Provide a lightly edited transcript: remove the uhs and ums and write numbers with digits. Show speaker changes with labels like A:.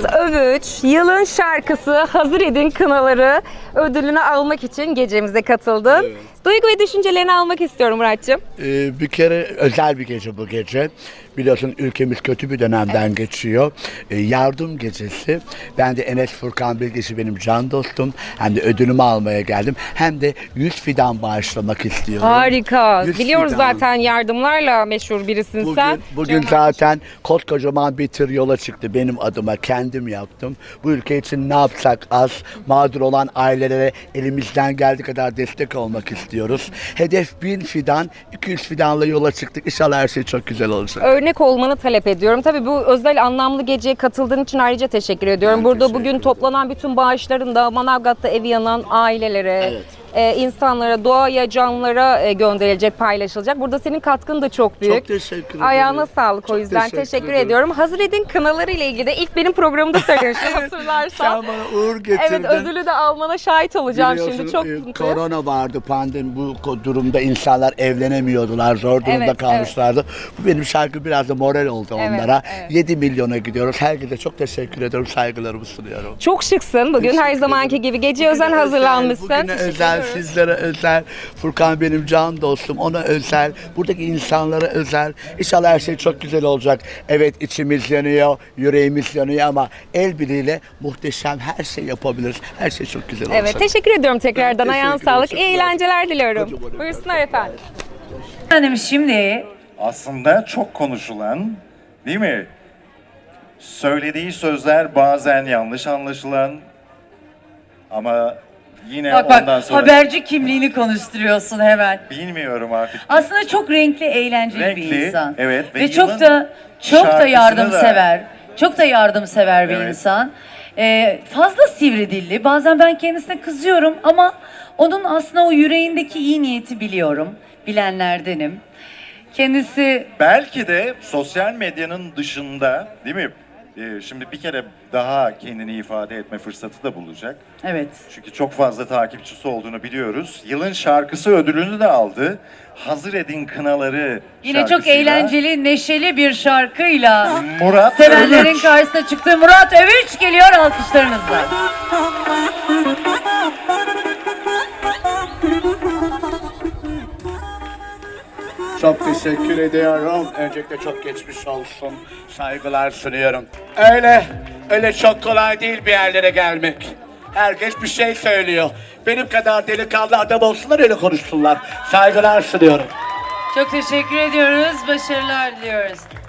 A: Övüç, yılın şarkısı Hazır Edin Kınaları ödülünü almak için gecemize katıldın.
B: Evet.
A: Duygu ve düşüncelerini almak istiyorum Muratcığım.
B: Bir kere özel bir gece bu gece. Biliyorsun ülkemiz kötü bir dönemden geçiyor. Yardım gecesi. Ben de Enes Furkan Bilgisi benim can dostum. Hem de ödülümü almaya geldim. Hem de 100 fidan bağışlamak istiyorum.
A: Harika.
B: 100
A: Biliyoruz
B: fidan.
A: zaten yardımlarla meşhur birisin sen.
B: Bugün zaten koskocaman bir tır yola çıktı benim adıma. Kendim yaptım. Bu ülke için ne yapsak az. Mağdur olan ailelere elimizden geldiği kadar destek olmak istiyoruz. Hedef 1000 fidan, 200 fidanla yola çıktık. İnşallah her şey çok güzel olacak.
A: Örnek olmanı talep ediyorum. Tabii bu özel anlamlı geceye katıldığın için ayrıca teşekkür ediyorum.
B: Ben
A: Burada
B: teşekkür
A: bugün
B: ederim.
A: toplanan bütün bağışların da Manavgat'ta evi yanan ailelere,
B: Evet.
A: insanlara, doğaya, canlılara gönderilecek, paylaşılacak. Burada senin katkın da çok büyük.
B: Çok teşekkür ederim.
A: Ayağına sağlık o
B: Çok
A: yüzden
B: teşekkür
A: teşekkür
B: ederim.
A: ediyorum. Hazır Edin Kınaları ile ilgili de ilk benim programımda söylemiştim hatırlarsan.
B: Sen bana uğur getirdin.
A: Evet, ödülü de almana şahit olacağım şimdi.
B: Biliyorsun,
A: Çok mutluyum.
B: korona vardı, pandemi, bu durumda insanlar evlenemiyordular, zor durumda
A: Evet,
B: kalmışlardı. Bu benim şarkı biraz da moral oldu
A: Evet,
B: onlara.
A: evet.
B: 7 milyona gidiyoruz. Herkese çok teşekkür ediyorum, saygılarımı sunuyorum.
A: Çok şıksın bugün her
B: Teşekkür
A: zamanki
B: ederim.
A: gibi. Gece
B: Bugüne
A: özel hazırlanmışsın.
B: Bugüne
A: Teşekkür
B: özel,
A: ediyoruz.
B: sizlere özel. Furkan benim can dostum, ona özel. Buradaki insanlara özel. İnşallah her şey çok güzel olacak. Evet, içimiz yanıyor, yüreğimiz yanıyor ama el birliğiyle muhteşem her şey yapabiliriz. Her şey çok güzel olacak.
A: Evet, teşekkür ediyorum tekrardan.
B: Ben
A: Ayağına
B: teşekkür ederim.
A: sağlık.
B: Çok
A: İyi
B: sağ olun.
A: eğlenceler diliyorum.
B: Kocaman
A: Buyursunlar efendim.
C: Efendim şimdi
D: Aslında çok konuşulan, değil mi? Söylediği sözler bazen yanlış anlaşılan ama yine
C: bak
D: ondan
C: bak
D: sonra
C: haberci kimliğini konuşturuyorsun hemen.
D: bilmiyorum artık.
C: Aslında çok renkli, eğlenceli bir
D: Renkli,
C: insan.
D: evet, ve
C: Ve çok
D: yılın
C: da
D: şarkısını
C: yardımsever. Çok da yardımsever bir
D: Evet.
C: insan. Fazla sivri dilli. Bazen ben kendisine kızıyorum ama onun aslında o yüreğindeki iyi niyeti biliyorum. Bilenlerdenim. Kendisi
D: Belki de sosyal medyanın dışında, değil mi? Şimdi bir kere daha kendini ifade etme fırsatı da bulacak.
C: evet.
D: Çünkü çok fazla takipçisi olduğunu biliyoruz. Yılın şarkısı ödülünü de aldı. Hazır Edin Kınaları
C: Yine çok
D: şarkısıyla
C: eğlenceli, neşeli bir şarkıyla
D: Murat
C: sevenlerin
D: Övüç.
C: karşısına çıktı. Murat Övüç geliyor alkışlarınızla.
B: Çok teşekkür ediyorum. Öncelikle çok geçmiş olsun. Saygılar sunuyorum. Öyle çok kolay değil bir yerlere gelmek. Herkes bir şey söylüyor. Benim kadar delikanlı adam olsunlar, öyle konuşsunlar. Saygılar sunuyorum.
C: Çok teşekkür ediyoruz. Başarılar diliyoruz.